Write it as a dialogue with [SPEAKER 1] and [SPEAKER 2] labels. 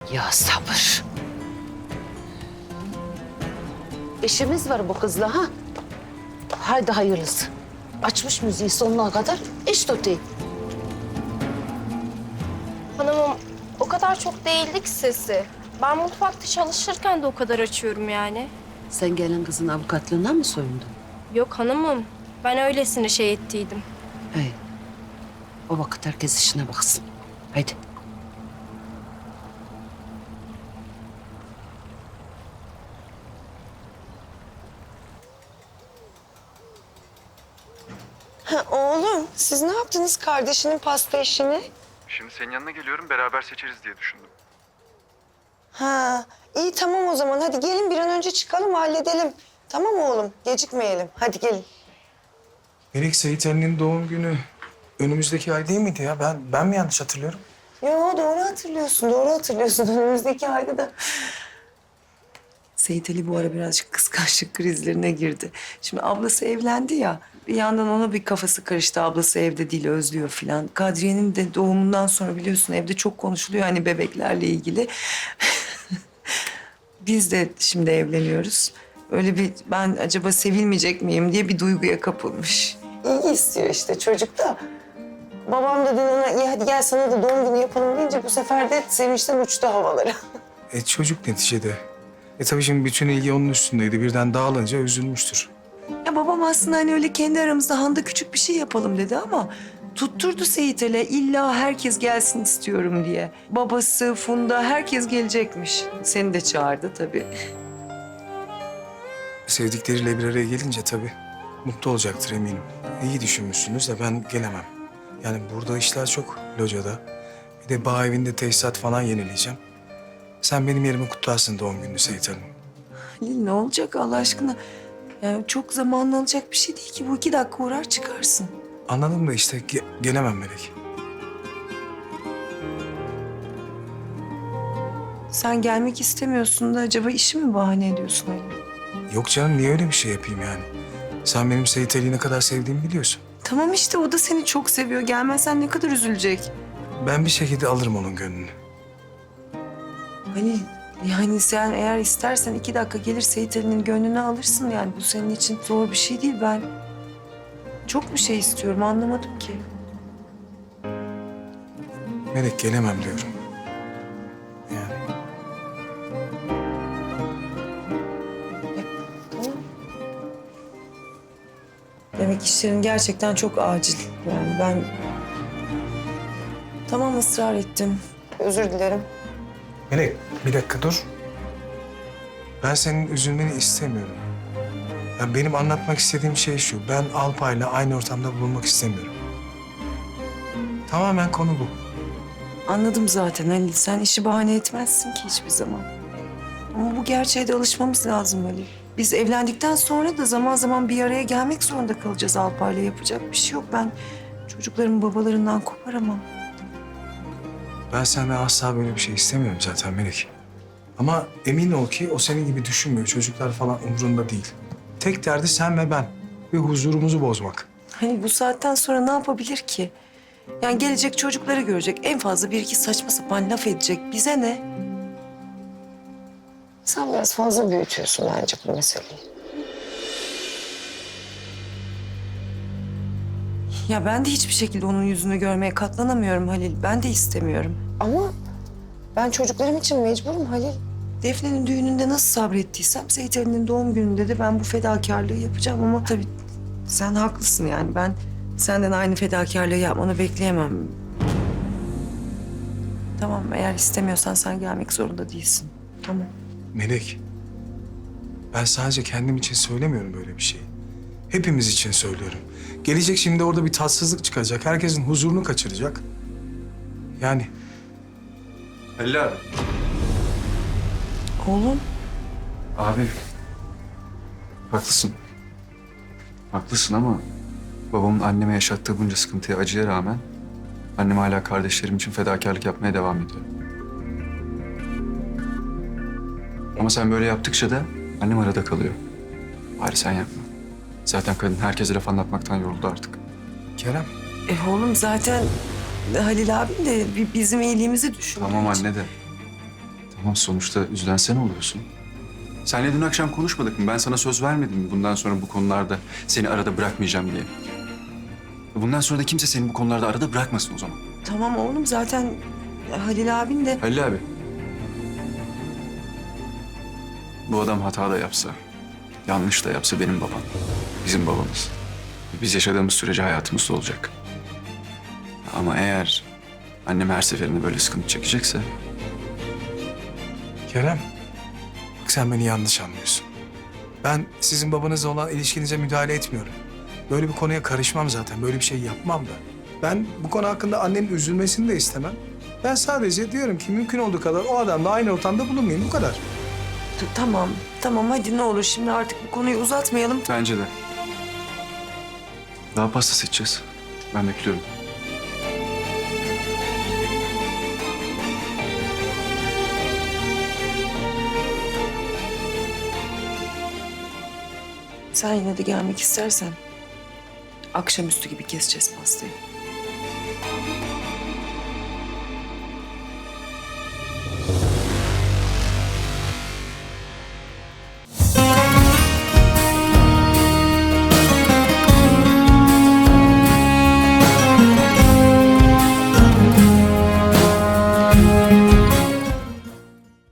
[SPEAKER 1] Ya sabır. İşimiz var bu kızla ha. Haydi hayırlısı. Açmış müziği sonuna kadar iş tutayım.
[SPEAKER 2] Hanımım o kadar çok değildi ki sesi. Ben mutfakta çalışırken de o kadar açıyorum yani.
[SPEAKER 1] Sen gelin kızın avukatlığına mı soyundun?
[SPEAKER 2] Yok hanımım. Ben öylesine şey ettiydim.
[SPEAKER 1] Hey. O vakit herkes işine baksın. Haydi.
[SPEAKER 3] Ha, oğlum siz ne yaptınız kardeşinin pasta işini?
[SPEAKER 4] Şimdi senin yanına geliyorum, beraber seçeriz diye düşündüm.
[SPEAKER 3] Ha, iyi tamam o zaman. Hadi gelin bir an önce çıkalım halledelim. Tamam oğlum gecikmeyelim. Hadi gelin.
[SPEAKER 5] Melek, Sait Ali'nin doğum günü önümüzdeki ay değil miydi ya? Ben mi yanlış hatırlıyorum?
[SPEAKER 3] Yo doğru hatırlıyorsun, doğru hatırlıyorsun. Önümüzdeki ayda da. Seyit Ali bu ara birazcık kıskançlık krizlerine girdi. Şimdi ablası evlendi ya. Bir yandan ona bir kafası karıştı. Ablası evde değil, özlüyor filan. Kadriye'nin de doğumundan sonra biliyorsun evde çok konuşuluyor hani bebeklerle ilgili. Biz de şimdi evleniyoruz. Öyle bir ben acaba sevilmeyecek miyim diye bir duyguya kapılmış. İyi istiyor işte çocuk da. Babam da dün ona iyi hadi gel sana da doğum günü yapalım deyince bu sefer de sevinçten uçtu havalara.
[SPEAKER 5] Çocuk neticede. Tabii şimdi bütün ilgi onun üstündeydi. Birden dağılınca üzülmüştür.
[SPEAKER 3] Ya babam aslında hani öyle kendi aramızda Handa küçük bir şey yapalım dedi ama tutturdu Seyit Ali illa herkes gelsin istiyorum diye. Babası, Funda herkes gelecekmiş. Seni de çağırdı tabii.
[SPEAKER 5] Sevdikleriyle bir araya gelince tabii mutlu olacaktır eminim. İyi düşünmüşsünüz de ben gelemem. Yani burada işler çok locada. Bir de bağ evinde tesisat falan yenileyeceğim. Sen benim yerime kutlarsın doğum gününü Seyit Hanım.
[SPEAKER 3] Halil ne olacak Allah aşkına? Yani çok zamanla alacak bir şey değil ki. Bu 2 dakika uğrar çıkarsın.
[SPEAKER 5] Anladım da işte gelemem Melek.
[SPEAKER 3] Sen gelmek istemiyorsun da acaba işi mi bahane ediyorsun Halil?
[SPEAKER 5] Yok canım, niye öyle bir şey yapayım yani? Sen benim Seyit Ali'yi ne kadar sevdiğimi biliyorsun.
[SPEAKER 3] Tamam işte o da seni çok seviyor. Gelmezsen ne kadar üzülecek.
[SPEAKER 5] Ben bir şekilde alırım onun gönlünü.
[SPEAKER 3] Halil yani sen eğer istersen 2 dakika gelir Seyit Ali'nin gönlünü alırsın yani. Bu senin için zor bir şey değil. Ben çok bir şey istiyorum anlamadım ki.
[SPEAKER 5] Melek, gelemem diyorum. Yani
[SPEAKER 3] Tamam. Demek işlerin gerçekten çok acil. Yani ben tamam ısrar ettim. Özür dilerim.
[SPEAKER 5] Melek, bir dakika dur. Ben senin üzülmeni istemiyorum. Yani benim anlatmak istediğim şey şu. Ben Alpay'la aynı ortamda bulunmak istemiyorum. Tamamen konu bu.
[SPEAKER 3] Anladım zaten Halil. Sen işi bahane etmezsin ki hiçbir zaman. Ama bu gerçeğe de alışmamız lazım Halil. Biz evlendikten sonra da zaman zaman bir araya gelmek zorunda kalacağız Alpay'la. Yapacak bir şey yok. Ben çocuklarımın babalarından koparamam.
[SPEAKER 5] Ben senden asla böyle bir şey istemiyorum zaten Melek. Ama emin ol ki o senin gibi düşünmüyor. Çocuklar falan umurunda değil. Tek derdi sen ve ben. Ve huzurumuzu bozmak.
[SPEAKER 3] Halil bu saatten sonra ne yapabilir ki? Yani gelecek çocukları görecek. En fazla bir iki saçma sapan laf edecek. Bize ne? Sen biraz fazla büyütüyorsun bence bu meseleyi. Ya ben de hiçbir şekilde onun yüzünü görmeye katlanamıyorum Halil. Ben de istemiyorum. Ama ben çocuklarım için mecburum Halil. Defne'nin düğününde nasıl sabrettiysem Seyit Ali'nin doğum gününde de ben bu fedakarlığı yapacağım ama tabii sen haklısın yani. Ben senden aynı fedakarlığı yapmanı bekleyemem. Tamam eğer istemiyorsan sen gelmek zorunda değilsin. Tamam.
[SPEAKER 5] Melek, ben sadece kendim için söylemiyorum böyle bir şeyi. Hepimiz için söylüyorum. Gelecek şimdi orada bir tatsızlık çıkacak. Herkesin huzurunu kaçıracak. Yani
[SPEAKER 4] Halil abi.
[SPEAKER 3] Oğlum.
[SPEAKER 4] Abi. Haklısın. Haklısın ama babamın anneme yaşattığı bunca sıkıntıya, acıya rağmen annem hala kardeşlerim için fedakarlık yapmaya devam ediyor. Ama sen böyle yaptıkça da annem arada kalıyor. Bari sen yapma. Zaten kadın herkese laf anlatmaktan yoruldu artık.
[SPEAKER 5] Kerem,
[SPEAKER 3] Oğlum zaten Halil abim de bizim iyiliğimizi düşünüyor.
[SPEAKER 4] Tamam anne de. Ama sonuçta üzülen sen oluyorsun. Seninle dün akşam konuşmadık mı? Ben sana söz vermedim mi bundan sonra bu konularda seni arada bırakmayacağım diye? Bundan sonra da kimse seni bu konularda arada bırakmasın o zaman.
[SPEAKER 3] Tamam oğlum, zaten Halil abin de...
[SPEAKER 4] Halil abi. Bu adam hata da yapsa, yanlış da yapsa benim babam. Bizim babamız. Biz yaşadığımız sürece hayatımızda olacak. Ama eğer annem her seferinde böyle sıkıntı çekecekse...
[SPEAKER 5] Kerem, bak sen beni yanlış anlıyorsun. Ben sizin babanızla olan ilişkinize müdahale etmiyorum. Böyle bir konuya karışmam zaten. Böyle bir şey yapmam da. Ben bu konu hakkında annenin üzülmesini de istemem. Ben sadece diyorum ki mümkün olduğu kadar o adamla aynı ortamda bulunmayayım. Bu kadar.
[SPEAKER 3] Tamam, tamam hadi ne olur şimdi artık bu konuyu uzatmayalım.
[SPEAKER 4] Bence de. Daha pasta seçeceğiz. Ben bekliyorum.
[SPEAKER 3] Sen yine de gelmek istersen akşamüstü gibi keseceğiz pastayı.